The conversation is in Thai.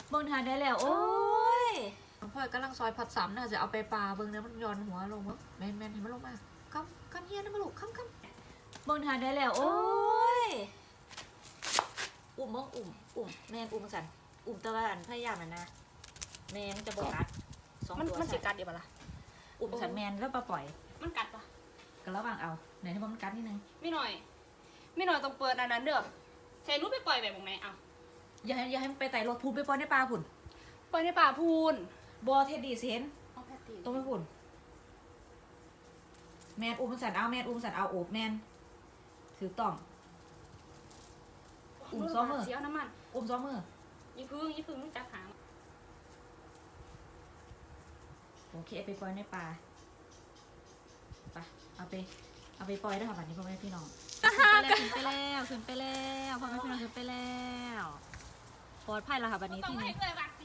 เบิ่งทานได้แล้วโอ้ยพ่อยกำลังซอยผัดสามน่าจะเอาไปปลาเบิ่งเนี่ยมันย้อนหัวลงมั้งแมนเห็นมันลงมาคำเฮียนะมาลูกคำเบิ่งทานได้แล้วโอ้ยอุ่มเบิ่งอุ่มแม่นอุ่มสั่นอุ่มตะวันพยายามนะแม่มันจะบ่กัดสองมันตัวมันสิกัดเดี๋ยวปะล่ะอุ่มสั่นแม่นแล้วปล่อยมันกัดปะก็ระวังเอาไหนที่มันกัดนิดนึงไม่หน่อยต้องเปิดอันนั้นเด้อใช้รูปไปปล่อยแบบไหนเอาอย่าให้มันไปไต่รถพูนไปปล่อยในป่าพุ่นปล่อยในป่าพูนบ่เท็ดดี้สิเห็นเอาแพตตี้ต้องไปพุ่นแม่นอุ่มสั่นเอาแม่นอุ่มสั่นเอาโอบแม่นถือต้อง อุ้มซ้อมมือเสียวน้ำมันอุ่มซ้อมมือยี่พึ่งมันจับหางโอเคไปปล่อยในป่าไปเอาไปปล่อยได้ค่ะบัดนี้พ่อแม่พี่น้องขึ้นไปแล้วพ่อแม่พี่น้องขึ้นไปแล้วปลอดภัยแล้วค่ะบัดนี้ต้องที่ให้นี่เลยว่ะ